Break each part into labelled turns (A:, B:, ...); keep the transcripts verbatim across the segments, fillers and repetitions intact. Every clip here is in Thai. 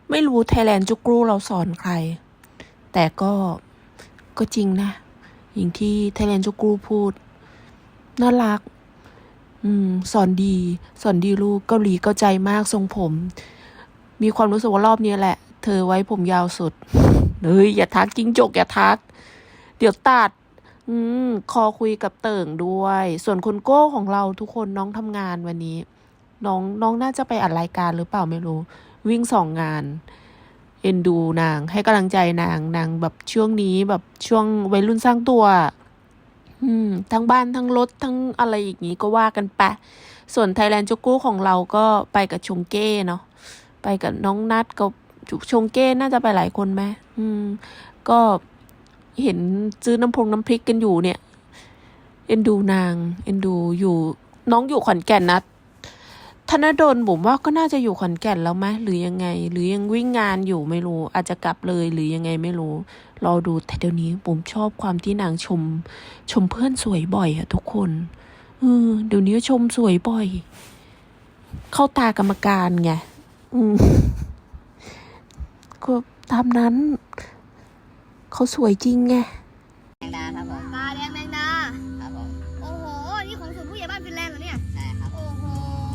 A: ไม่รู้ไทยแลนด์จุกรูเราสอนใครแต่ก็ก็จริงนะอย่างที่ไทยแลนด์จุกรูพูดน่ารักอืมสอนดีสอนดีลูกเกาหลีเข้าใจมากทรงผมมีความรู้สึกว่ารอบนี้แหละเธอไว้ผมยาวสุดเฮ้ยอย่าทักจิ้งจกอย่าทักเดี๋ยวตัดอืมคอคุยกับเติ่งด้วยส่วนคุณโก้ของเราทุกคนน้องทำงานวันนี้น้องน้องน่าจะไปอัดรายการหรือเปล่าไม่รู้วิ่งสองงานเอ็นดูนางให้กำลังใจนางนางแบบช่วงนี้แบบช่วงวัยรุ่นสร้างตัวอืมทั้งบ้านทั้งรถทั้งอะไรอย่างนี้ก็ว่ากันไปส่วนไทยแลนด์จุกู้ของเราก็ไปกับชงเก้เนาะไปกับน้องนัดกับชงเก้น่าจะไปหลายคนไหมอืมก็เห็นซื้อน้ำพงน้ำพริกกันอยู่เนี่ยเอ็นดูนางเอ็นดูอยู่น้องอยู่ขอนแก่นนะธนดลผมว่าก็น่าจะอยู่ขอนแก่นแล้วไหมหรือยังไงหรือยังวิ่งงานอยู่ไม่รู้อาจจะกลับเลยหรือยังไงไม่รู้รอดูแต่เดี๋ยวนี้ผมชอบความที่นางชมชมเพื่อนสวยบ่อยอะทุกคนเออเดี๋ยวนี้ชมสวยบ่อยเข้าตากรรมการไงอืมก็ตามนั้นเขาสวยจริงไง
B: แมงดาครับผม
C: ตาแดงแมงดา
B: ครับผม
C: โอ้โหนี่ของศูนย์ผู้ใหญ่บ้านฟินแลนด์เหรอเนี่ย
B: ใช่ครับ
C: โอ้โห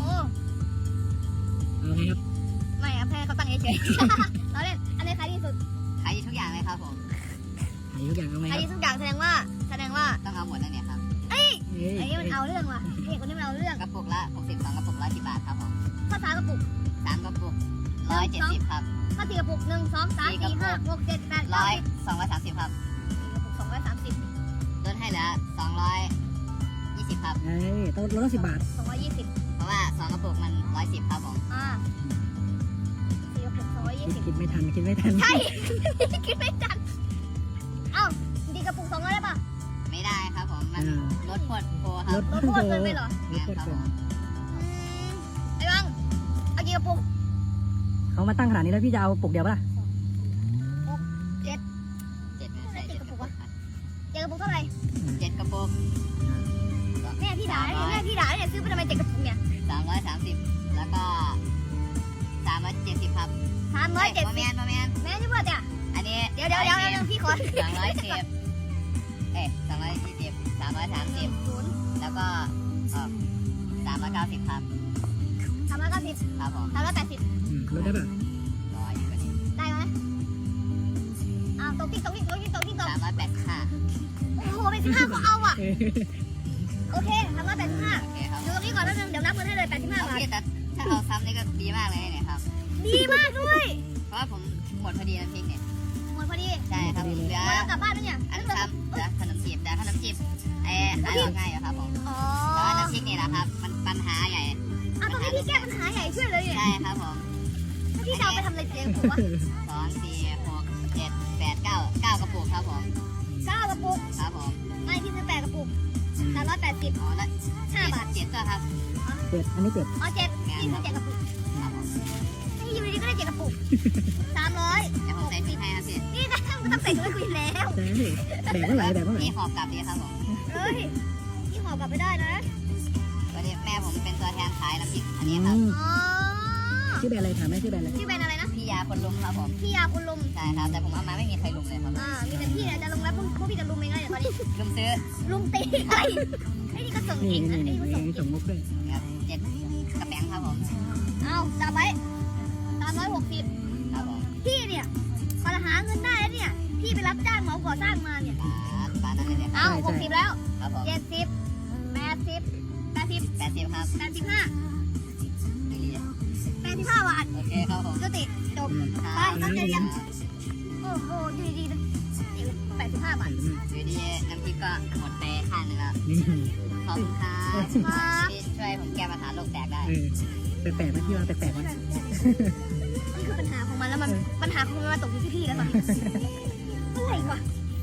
D: เอาไงครับ
C: ไม่อะแพ้เขาตั้งเฉยๆเราเล่นอันนี้ขายดีสุด
B: ขายทุกอย่างเลยครับผม
D: ขายทุกอย่างเอาไหมค
C: ขา
D: รั
C: ย
D: บ
C: ดีทุกอย่างแสดงว่าแสดงว่า
B: ต้องเอาหมดแล้วเนี่ยครับ
C: เอ้ยไอ้นี่มันเอาเรื่องว่ะเด็กคนนี้มันเอาเรื่อง
B: กระปุกละหกสิบสองกระปุกร้อยสิบบาทครับผม
C: ข้าวสารกระปุก
B: สามกระปุกร้อยเจ็ดสิบครับ
C: ข้าวสี่กระปุกหนึ่งสองสามสี่ห้าหกเจ็ดแปดเก้า
B: ร้อย
C: สิบ
B: สองร้อยสามสิบครับ
C: สี่กระปุกสองร้อยสามสิบ
B: ลดให้เหลือสองร้อยยี่สิบครับ
D: เอ้ยต้นลดสิบบาท
C: สองร้อยยี่สิบ
B: เพราะว่าสองกระปุกมันร้อยสิบครับผม
C: อ่าสี่กระปุกสองร้อยยี่สิบ
D: คิดไม่ทันคิดไม่ทัน
C: ใช่ คิดไม่ทันเอ้าดีกระปุกสองร้อยได้ปะ
B: ไม่ได้ครับผมมันลดพวดโพครับ
D: ลด
C: ลดโทษเกินไปเหรอ
D: ลดโทษ
B: ครับ
D: เกิ
B: ผ
D: น
B: ม
C: ไอ้บังเอากี่กระปุก
D: เขามาตั้งขนาดนี้แล้วพี่จะเอาปลุกเดียวปะล่ะ
C: เจ็ด
B: เจ็ดไม่ใช่เจ็ดกระปุกครับ
C: เจ็ดกระปุกเท่าไหร่
B: เจ็ดกระปุก
C: แม่พี่ด่าเนี่ยแม่พี่ด่าเนี่ยซื้อไปทำไมเจ็ดกระปุกเนี่ย
B: สามร้อยสามสิบแล้วก็สามร้อยเจ็ดสิบครับ
C: สามร้อยเจ็ด
B: โม
C: สิบ
B: เมนโมเมน
C: แม่ที่เพื่อนเนี่ย
B: อันนี้
C: เดี๋ยวเดี๋ยวเดี๋ยวเดี๋ยวพี่ขอ
B: สองร้อยสิบเอ๊ะสองร้อยยี่สิบสามร้อยสามสิบ
C: ศูนย์
B: แล้วก็เออสามร้อยเก้าสิบครับ
C: สามร้อยเก้าสิบ
B: ครับผม
C: สามร้อยแปดสิบ
D: อืมลดได้ปะ
B: ร้อยอยู่กว่านี้
C: ได้ไหมอ้าวตกติ๊กตกติ๊กตกติ๊กตกติ๊กตก
B: สามร้อยแปดสิบห้า
C: โอ้โหเป็นสิบห้าก็เอาอ่ะโอเคสามร้อยแปดสิบห้า
B: โอเคครับ
C: ดูตรงนี้ก่อนแล้วนึงเดี๋ยวนับเงินให้เลยแปดสิบห้า
B: โอบ
C: าท
B: เคแต่ถ้าเอาซ้ำนี่ก็ดีมากเลยเนี่ยครับ
C: ดีมากด้วย
B: เพราะว่าผมหมดพอดีน้ำพริกเนี่ย
C: หมดพอดี
B: ใช่ครับเหลือ
C: เรากลับบ้านแล้วเนี่ย
B: อันซ้ำเหลือขนมจีบแต่ขนมจีบไอ้ขายออกง่ายอยู่ครับผม
C: อ๋อ
B: แต่ว่าน้ำพริกนี่แหละครับ มันปัญหาใหญ่
C: อ่ะตรงนี้พี่แก้ปัญหาใหญ่ช่วยเลยเนี่ย
B: ใช่ครับผม
C: ถ้าพี่จะเอาไปทำอะไรเจ๊งผมวะ
B: สองสี่หกเจ็ดแปดเก้าเก้ากระปุกครับผม
C: เก้ากระปุก
B: ครับผม
C: ไม่พี่ซื้อแปดกระปุกสามร้อยแปดสิบ
B: อ๋อแล้ว
C: ห้าบาท
B: เจ็ดก็ครับ
D: เจ็ดอันนี้เจ็ด
C: อ๋อเจ็ดพี่ซื้อเจ็ดกระปุก
B: ครับผม
C: ถ้าอยู่ดีๆก็ได้เจ็ดกระปุกสามร้อย
B: เดี๋ยวผมใส่พริกให้ครับพี่
C: นี่นะไม่ต้องใส่ถุงให้คุยแล้ว
D: แต่แบ่งเท่าไหร่แบ่งเท่าไหร่
B: พี่หอบกลับดีครับผม
C: เฮ้ยพี่ห่อกลับไปได้นะ
B: วันนี้แม่ผมเป็นตัวแทนขายน้ำพริกอันนี้
D: อื
B: ครับ
D: ม
C: อ๋อ
D: ชื่อแบรนด์อะไรถามแม่ชื่อแบรนด์อะไร
C: ชื่อแบรนด์อะไรนะ
B: พี่ยาคนลุมครับผม
C: พี่ยาคุณลุม
B: ใช่ครับแต่ผมเอามาไม่มีใครลุมเลยครับ
C: อ่ามีแต่พี่เนี่ยจะลงแล้วพวกพวกพี่จะลุมเองไงเดี๋ยวตอนนี้
B: ลุมซื้อ
C: ลุมตีไอ้ไอ้นี่ก็ส่ง
D: นี่
C: เก่งนะ
D: นี่
C: ไอ้
D: นี่
C: นี่ก็ส่ง
D: นี่
C: เก่ง
D: ส่งมุกด้วย
B: ครับเจ็ดกระแปงครับผม
C: เอาจับไว้สามร้อยหกสิบ
B: ครับผม
C: พี่เนี่ยพอหาเงินได้แล้วเนี่ย พี่ไปรับจ้างเหมาก่อสร้างมาเนี่ย
B: บาทบาทนั่นเลยเนี่ย
C: เอาหกสิบแล้ว
B: ครับผม
C: เจ็ดสิบแปดสิบแปดสิบ
B: แปดสิบครับ
C: แปดสิบห้า
B: ไม่ดี
C: แปดสิบห้าบาท
B: โอเคครับผม
C: จุติจบไปตั้งใจเรียนโอ้โหอยู่ดีๆนะแปดสิบห้าบาท
B: อยู่ดีน้ำพริกก็หมดไปข้างหนึงแล้ว
D: นี่
B: ขอบคุณครับ
C: ครับ
B: ที่ช่วยผมแก้ปัญหาโลกแตกได้
D: เออแปลกๆไหมพี่ว่าแปลกๆไหม
C: นี่คือปัญหาของมันแล้วมันปัญหาของมันมาตกอยู่ที่พี่แล้วตอนนี้อะไรวะ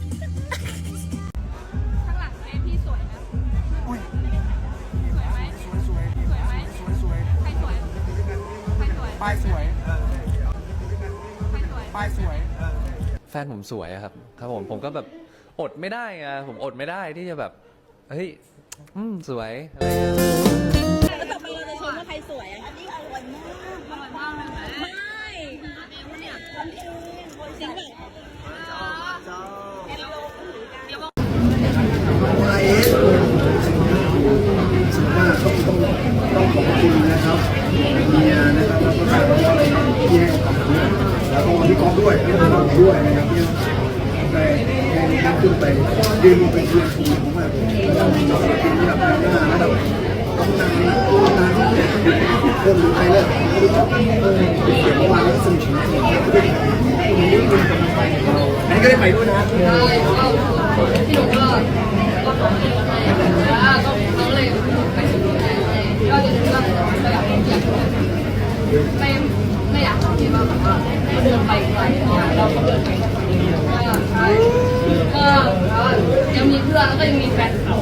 E: ข้างหลังแม่พี่สวยนะ
F: อุ้ย
E: สวยไหม
F: สวยสวย
E: สวยไหม
F: สวยสวย
E: ใครสวยใครสวย
F: ป้ายสวย
E: ใครสวย
F: ป้ายสวย
G: แฟนผมสวยอะครับครับผมผมก็แบบอดไม่ได้ไงผมอดไม่ได้ที่จะแบบเฮ้ยอืมสวยอะไรเงี้ย
E: แล้วต่อไปเราจะชมว่าใครสวยอ่ะอันนี้อร่อยมากอร่อยมากเลยไหมไม่
F: ด้วยแล้วก็เราด้วยนะครับที่ได้ได้ขึ้นไปยืนบนเป็นเพื่อนทีมมากเลยเราเราเป็นระดับหน้าระดับต้องนานต้องนานที่เริ่มรู้ใครเริ่มรู้จักเออเสียงเมื่อวานก็สนุกจริงๆอันนี้ก็ได้ไปด้วยนะพี่หนุ่มก็ก็ก็เขาเลยไปสุดก็จะก็อยากอยากไม่ไม่อยากคิดว่าแบบว่าเดินไปไกลเราก็เดินไปก็ยังมีเพื่อนแล้วก็ยังมีแฟนเขา